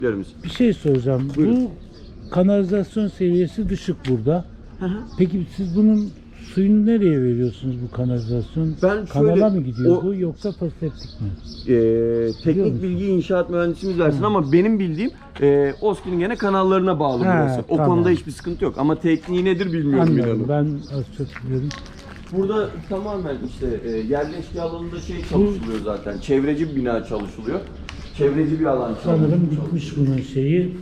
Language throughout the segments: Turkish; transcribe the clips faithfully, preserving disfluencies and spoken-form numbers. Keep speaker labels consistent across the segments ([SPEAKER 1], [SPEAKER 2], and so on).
[SPEAKER 1] Bir şey soracağım.
[SPEAKER 2] Buyurun.
[SPEAKER 1] Bu kanalizasyon seviyesi düşük burada.
[SPEAKER 2] Hı hı.
[SPEAKER 1] Peki siz bunun suyunu nereye veriyorsunuz bu kanalizasyon?
[SPEAKER 2] Ben
[SPEAKER 1] Kanala
[SPEAKER 2] şöyle,
[SPEAKER 1] mı gidiyor
[SPEAKER 2] o-
[SPEAKER 1] bu yoksa foseptik mi?
[SPEAKER 2] Ee,
[SPEAKER 1] Biliyor
[SPEAKER 2] teknik
[SPEAKER 1] musun?
[SPEAKER 2] bilgi inşaat mühendisimiz versin ama benim bildiğim e, OSKİ'nin gene kanallarına bağlı
[SPEAKER 1] He,
[SPEAKER 2] burası. O
[SPEAKER 1] tamam.
[SPEAKER 2] konuda hiçbir sıkıntı yok ama tekniği nedir bilmiyorum
[SPEAKER 1] Anladım.
[SPEAKER 2] inanın.
[SPEAKER 1] Ben az çok biliyorum.
[SPEAKER 2] Burada tamamen işte e, yerleşke alanında şey çalışılıyor zaten. Çevreci bir bina çalışılıyor. Çevreci bir alan çalışılıyor.
[SPEAKER 1] Sanırım bitmiş bunun şeyi.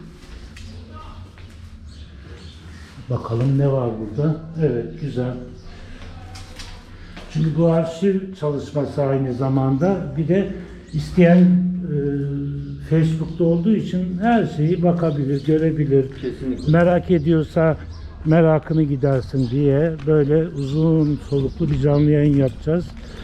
[SPEAKER 1] Bakalım ne var burada. Evet, güzel. Çünkü bu arşiv çalışması aynı zamanda bir de isteyen e, Facebook'ta olduğu için her şeyi bakabilir, görebilir.
[SPEAKER 2] Kesinlikle.
[SPEAKER 1] Merak ediyorsa merakını gidersin diye böyle uzun soluklu bir canlı yayın yapacağız.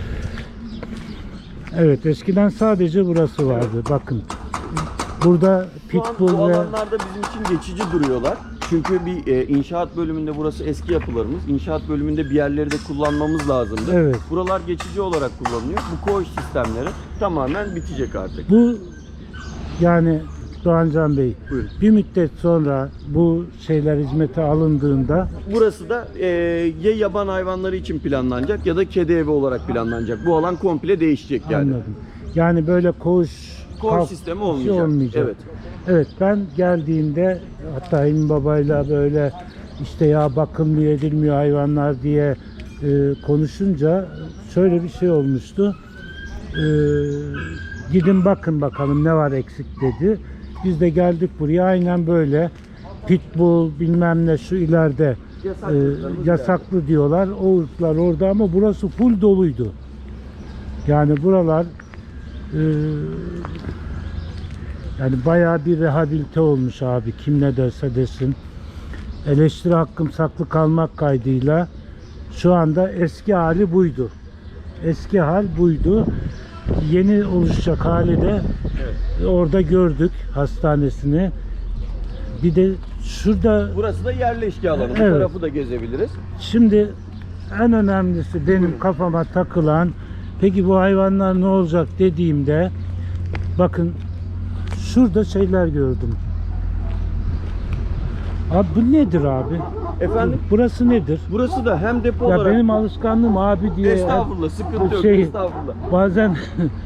[SPEAKER 1] Evet, eskiden sadece burası vardı. Bakın. Burada
[SPEAKER 2] Şu an bu
[SPEAKER 1] pitbull ve
[SPEAKER 2] alanlarda bizim için geçici duruyorlar. Çünkü bir e, inşaat bölümünde burası eski yapılarımız. İnşaat bölümünde bir yerleri de kullanmamız lazımdı.
[SPEAKER 1] Evet.
[SPEAKER 2] Buralar geçici olarak kullanılıyor. Bu koğuş sistemleri tamamen bitecek artık.
[SPEAKER 1] bu yani Doğancan Bey,
[SPEAKER 2] Buyurun.
[SPEAKER 1] bir müddet sonra bu şeyler hizmete alındığında
[SPEAKER 2] Burası da e, ya yaban hayvanları için planlanacak ya da kedi evi olarak planlanacak. Bu alan komple değişecek yani.
[SPEAKER 1] anladım. Yani böyle koğuş
[SPEAKER 2] Koğuş
[SPEAKER 1] kalk-
[SPEAKER 2] sistemi
[SPEAKER 1] şey
[SPEAKER 2] olmayacak.
[SPEAKER 1] olmayacak.
[SPEAKER 2] Evet.
[SPEAKER 1] Evet, ben geldiğimde hatta Emin Baba'yla böyle işte ya bakılmıyor edilmiyor hayvanlar diye e, konuşunca şöyle bir şey olmuştu. E, gidin bakın bakalım ne var eksik dedi. Biz de geldik buraya aynen böyle pitbull bilmem ne şu ileride
[SPEAKER 2] Yasak
[SPEAKER 1] e,
[SPEAKER 2] ırklarımız
[SPEAKER 1] yasaklı diyorlar. O ırklar orada ama burası full doluydu. Yani buralar e, yani bayağı bir rehabilite olmuş abi. Kim ne derse desin. Eleştiri hakkım saklı kalmak kaydıyla şu anda eski hali buydu. Eski hal buydu. Yeni oluşacak hali de
[SPEAKER 2] Evet.
[SPEAKER 1] orada gördük hastanesini. Bir de şurada
[SPEAKER 2] Burası da yerleşke alanı. Bu
[SPEAKER 1] Evet.
[SPEAKER 2] tarafı da gezebiliriz.
[SPEAKER 1] şimdi en önemlisi benim
[SPEAKER 2] Buyurun.
[SPEAKER 1] kafama takılan peki bu hayvanlar ne olacak dediğimde bakın şurada şeyler gördüm. Abi bu nedir abi?
[SPEAKER 2] Efendim?
[SPEAKER 1] Burası nedir?
[SPEAKER 2] Burası da hem depo
[SPEAKER 1] Ya
[SPEAKER 2] olarak...
[SPEAKER 1] benim alışkanlığım abi diye.
[SPEAKER 2] Estağfurullah, sıkıntı yok.
[SPEAKER 1] Şey,
[SPEAKER 2] Estağfurullah.
[SPEAKER 1] Bazen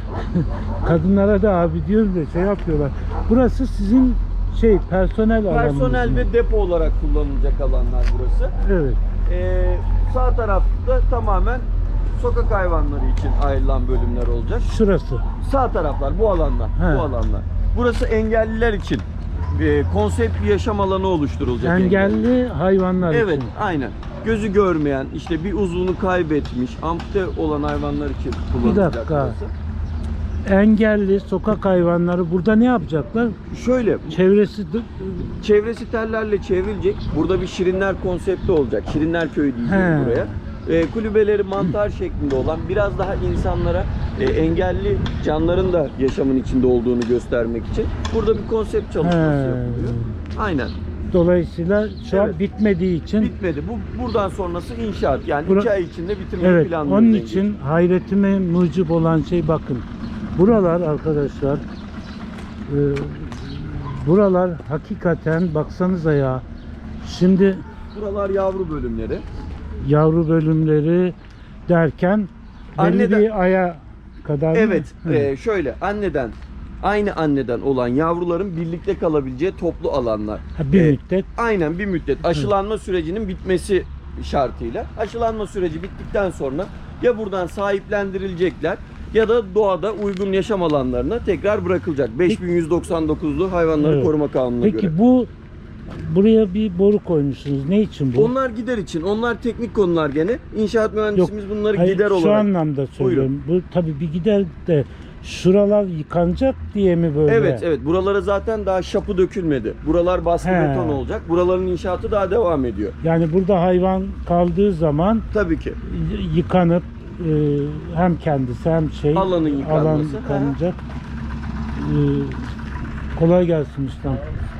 [SPEAKER 1] kadınlara da abi diyorum da şey yapıyorlar. Burası sizin şey personel alanınız
[SPEAKER 2] Personel
[SPEAKER 1] mı?
[SPEAKER 2] ve depo olarak kullanılacak alanlar burası.
[SPEAKER 1] Evet.
[SPEAKER 2] Ee, sağ tarafta tamamen sokak hayvanları için ayrılan bölümler olacak.
[SPEAKER 1] Şurası.
[SPEAKER 2] Sağ taraflar bu alanlar.
[SPEAKER 1] He.
[SPEAKER 2] Bu alanlar. Burası engelliler için e, konsept bir yaşam alanı oluşturulacak.
[SPEAKER 1] Engelli hayvanlar
[SPEAKER 2] Evet,
[SPEAKER 1] için.
[SPEAKER 2] aynen. Gözü görmeyen, işte bir uzvunu kaybetmiş, ampute olan hayvanlar için kullanılacak
[SPEAKER 1] dakika.
[SPEAKER 2] burası.
[SPEAKER 1] Engelli sokak hayvanları burada ne yapacaklar?
[SPEAKER 2] Şöyle,
[SPEAKER 1] Çevresi de-
[SPEAKER 2] çevresi tellerle çevrilecek. Burada bir Şirinler konsepti olacak. Şirinler Köyü diyeceğiz
[SPEAKER 1] He.
[SPEAKER 2] buraya. E, kulübeleri mantar şeklinde olan, biraz daha insanlara e, engelli canların da yaşamın içinde olduğunu göstermek için burada bir konsept çalışması
[SPEAKER 1] He.
[SPEAKER 2] yapılıyor. Aynen.
[SPEAKER 1] dolayısıyla şu an
[SPEAKER 2] Evet.
[SPEAKER 1] bitmediği için
[SPEAKER 2] Bitmedi. Bu buradan sonrası inşaat. Yani
[SPEAKER 1] Bura-
[SPEAKER 2] iki ay içinde bitirmeyi
[SPEAKER 1] evet,
[SPEAKER 2] planlıyoruz.
[SPEAKER 1] onun
[SPEAKER 2] Engin.
[SPEAKER 1] için hayretime mucib olan şey bakın. Buralar arkadaşlar e, buralar hakikaten baksanıza ya. Şimdi
[SPEAKER 2] Buralar yavru bölümleri.
[SPEAKER 1] yavru bölümleri derken belli
[SPEAKER 2] Anneden-
[SPEAKER 1] bir aya kadar mı?
[SPEAKER 2] Evet.
[SPEAKER 1] Hı.
[SPEAKER 2] e, şöyle anneden aynı anneden olan yavruların birlikte kalabileceği toplu alanlar.
[SPEAKER 1] Ha, bir
[SPEAKER 2] E,
[SPEAKER 1] müddet.
[SPEAKER 2] Aynen bir müddet. Aşılanma sürecinin bitmesi şartıyla. Aşılanma süreci bittikten sonra ya buradan sahiplendirilecekler ya da doğada uygun yaşam alanlarına tekrar bırakılacak. beş bin yüz doksan dokuzlu hayvanları
[SPEAKER 1] Evet.
[SPEAKER 2] koruma kanununa
[SPEAKER 1] Peki
[SPEAKER 2] göre.
[SPEAKER 1] bu buraya bir boru koymuşsunuz. Ne için bu?
[SPEAKER 2] Onlar gider için. Onlar teknik konular gene. İnşaat mühendisimiz bunları
[SPEAKER 1] Hayır,
[SPEAKER 2] gider
[SPEAKER 1] şu
[SPEAKER 2] olarak.
[SPEAKER 1] anlamda söylüyorum. Bu tabii bir gider de şuralar yıkanacak diye mi böyle?
[SPEAKER 2] Evet evet. Buralara zaten daha şapı dökülmedi. Buralar baskı
[SPEAKER 1] He.
[SPEAKER 2] beton olacak. Buraların inşaatı daha devam ediyor.
[SPEAKER 1] Yani burada hayvan kaldığı zaman
[SPEAKER 2] Tabii ki.
[SPEAKER 1] y- yıkanıp e, hem kendisi hem şey
[SPEAKER 2] Alanın yıkanması.
[SPEAKER 1] alan yıkanacak. E, kolay gelsin ustam.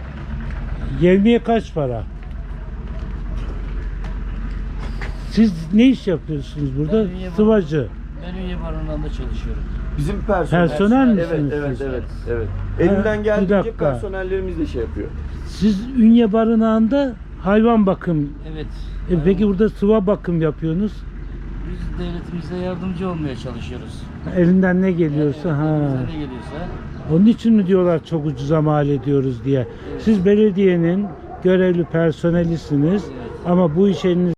[SPEAKER 1] Yevmiye kaç para? Siz ne iş yapıyorsunuz burada?
[SPEAKER 3] Ben ünye
[SPEAKER 1] Sıvacı.
[SPEAKER 3] Ben ünye barınağında çalışıyorum.
[SPEAKER 2] Bizim personel.
[SPEAKER 1] Personel
[SPEAKER 2] Evet
[SPEAKER 1] misiniz
[SPEAKER 2] evet
[SPEAKER 1] siz?
[SPEAKER 2] evet evet. Elinden
[SPEAKER 1] bir
[SPEAKER 2] geldiğince
[SPEAKER 1] dakika.
[SPEAKER 2] personellerimiz de şey yapıyor.
[SPEAKER 1] Siz Ünye Barınağı'nda hayvan bakım,
[SPEAKER 3] Evet.
[SPEAKER 1] e, peki burada sıva bakım yapıyorsunuz.
[SPEAKER 3] Biz devletimize yardımcı olmaya çalışıyoruz.
[SPEAKER 1] Elinden ne geliyorsa.
[SPEAKER 3] Evet,
[SPEAKER 1] ha.
[SPEAKER 3] elimizden ne geliyorsa.
[SPEAKER 1] Onun için mi diyorlar çok ucuza mal ediyoruz diye. Siz belediyenin görevli personelisiniz
[SPEAKER 3] Evet.
[SPEAKER 1] ama bu iş eliniz